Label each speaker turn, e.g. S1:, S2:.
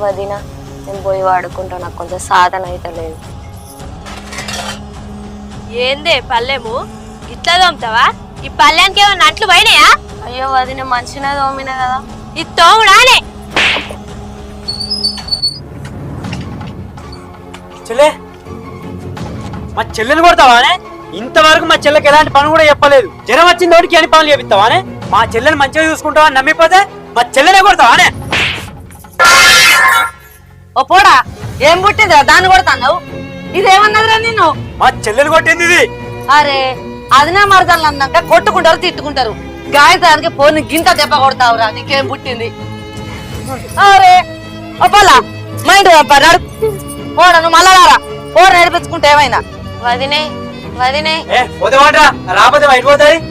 S1: వదిన నేను పోయి వాడుకుంటా, నాకు కొంచెం సాధన అయితే లేదు.
S2: ఏందే పల్లెము ఇట్లా తోముతావా? ఈ పల్లెనికి ఏమన్నా అంట్లు పోయినాయా?
S1: అయ్యో వదిన మంచిగా తోమినా కదా.
S2: ఈ తోముడానే
S3: చెల్లె, మా చెల్లెని కొడతావానే? ఇంతవరకు మా చెల్లెకి ఎలాంటి పని కూడా చెప్పలేదు. జ్వరం వచ్చిన తోటికి అని పనులు చేపిస్తావానే? మా చెల్లెని మంచిగా చూసుకుంటావా నమ్మిపోతే మా చెల్లెనే కొడతావానే?
S4: ఓ పోడా, ఏం పుట్టిందిరా దాన్ని కొడతావు? ఇదేమన్నదిరా నిన్ను?
S3: మా చెల్లెని కొట్టింది ఇది.
S4: అరే అదినా మరదలు అన్నాక కొట్టుకుంటారు తిట్టుకుంటారు, గాయతానికి పోని గింత దెబ్బ కొడతావురా, నీకేం పుట్టింది? అరే ఓ పోలా, మా ఇంటి పంపారు పోడా, నువ్వు మళ్ళా రారా, పోడ నేర్పించుకుంటే ఏమైనా.
S1: వదినే వదినే
S3: ఏ పోతే వాడరా, రాకపోతే అయిపోతాయి.